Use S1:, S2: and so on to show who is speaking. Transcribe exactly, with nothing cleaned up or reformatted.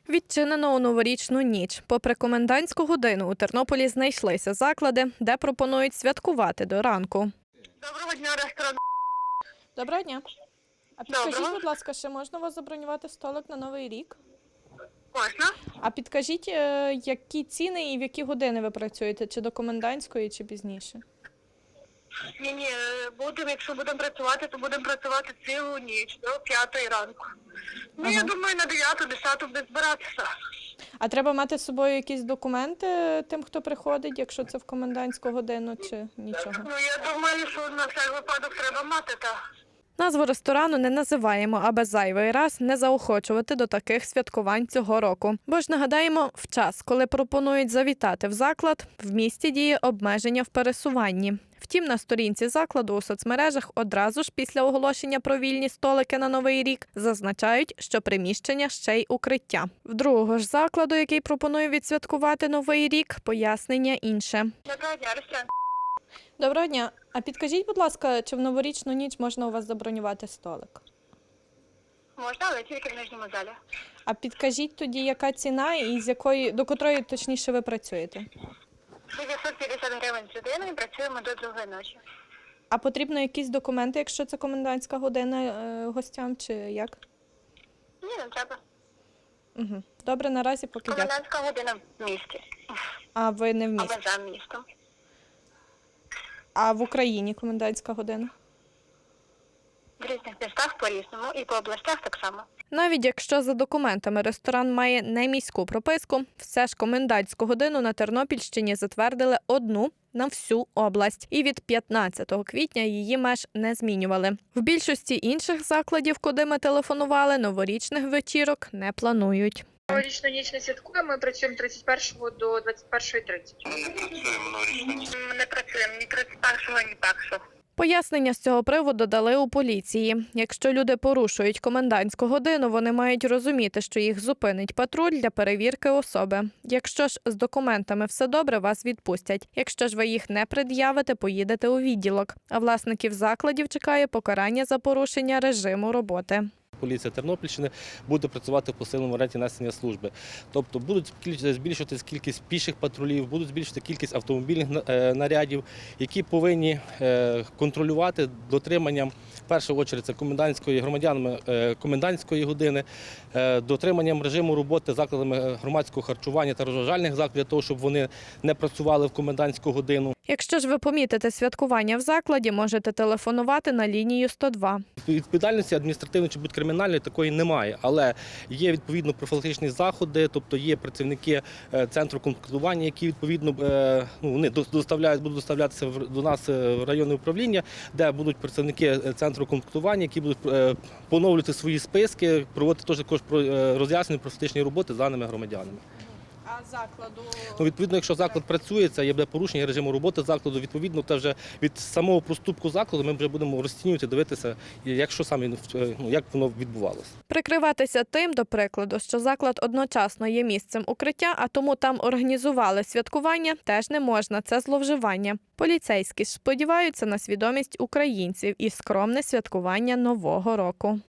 S1: Відчинено у новорічну ніч. Попри комендантську годину у Тернополі знайшлися заклади, де пропонують святкувати до ранку.
S2: Доброго дня, ресторан.
S1: Доброго дня. А підкажіть,
S2: Доброго.
S1: будь ласка, ще можна у вас забронювати столик на Новий рік?
S2: Можна?
S1: А підкажіть, е, які ціни і в які години ви працюєте? Чи до комендантської, чи пізніше?
S2: Ні, ні, будемо, якщо будемо працювати, то будемо працювати цілу ніч до п'ятої ранку. Ну,
S1: Ага.
S2: я думаю, на дев'яту, десяту буде збиратися.
S1: А треба мати з собою якісь документи тим, хто приходить, якщо це в комендантську годину, чи нічого?
S2: Ну, я думаю, що на всяк випадок треба мати, так.
S1: Назву ресторану не називаємо, аби зайвий раз не заохочувати до таких святкувань цього року. Бо ж нагадаємо, в час, коли пропонують завітати в заклад, в місті діє обмеження в пересуванні. Втім, на сторінці закладу у соцмережах одразу ж після оголошення про вільні столики на Новий рік зазначають, що приміщення ще й укриття. В другого ж закладу, який пропонує відсвяткувати Новий рік, пояснення інше.
S2: Доброго дня, ресторан.
S1: Доброго дня. А підкажіть, будь ласка, чи в новорічну ніч можна у вас забронювати столик?
S2: Можна, але тільки в нижньому залі.
S1: А підкажіть тоді, яка ціна і з якої, до котрої точніше ви працюєте?
S2: дев'ятсот п'ятдесят гривень з людиною, працюємо до другої ночі.
S1: А потрібно якісь документи, якщо це комендантська година е, гостям, чи як?
S2: Ні, не треба.
S1: Угу. Добре, наразі поки дякую.
S2: Комендантська година в місті.
S1: А ви не в
S2: А
S1: місті?
S2: ми за містом.
S1: А в Україні комендантська година?
S2: В різних містах по-різному і по областях так само.
S1: Навіть якщо за документами ресторан має не міську прописку, все ж комендантську годину на Тернопільщині затвердили одну на всю область. І від п'ятнадцятого квітня її меж не змінювали. В більшості інших закладів, куди ми телефонували, новорічних вечірок не планують.
S3: Новорічну ніч не святкуємо, ми працюємо тридцять першого до двадцять першої тридцять.
S2: Ми не працюємо новорічну ніч. Ми не працюємо ні тридцять першого, ні першого.
S1: Пояснення з цього приводу дали у поліції. Якщо люди порушують комендантську годину, вони мають розуміти, що їх зупинить патруль для перевірки особи. Якщо ж з документами все добре, вас відпустять. Якщо ж ви їх не пред'явите, поїдете у відділок. А власників закладів чекає покарання за порушення режиму роботи.
S4: Поліція Тернопільщини буде працювати в посиленому варіанті несення служби. Тобто будуть збільшуватися кількість піших патрулів, будуть збільшувати кількість автомобільних нарядів, які повинні контролювати дотриманням, в першу чергу, це комендантської, громадянами комендантської години, дотриманням режиму роботи закладами громадського харчування та розважальних закладів, для того, щоб вони не працювали в комендантську годину.
S1: Якщо ж ви помітите святкування в закладі, можете телефонувати на лінію сто два.
S4: Відповідальності адміністративної чи будь-кримінальної такої немає, але є відповідно профілактичні заходи, тобто є працівники центру комплектування, які відповідно ну, вони доставляють, будуть доставлятися до нас в районне управління, де будуть працівники центру комплектування, які будуть поновлювати свої списки, проводити також роз'яснені профілактичні роботи з даними громадянами.
S1: А закладу?
S4: Ну, відповідно, якщо заклад працює, це є порушення режиму роботи закладу, відповідно, це вже від самого проступку закладу ми вже будемо розцінювати, дивитися, як, що саме, ну, як воно відбувалося.
S1: Прикриватися тим, до прикладу, що заклад одночасно є місцем укриття, а тому там організували святкування, теж не можна. Це зловживання. Поліцейські ж сподіваються на свідомість українців і скромне святкування Нового року.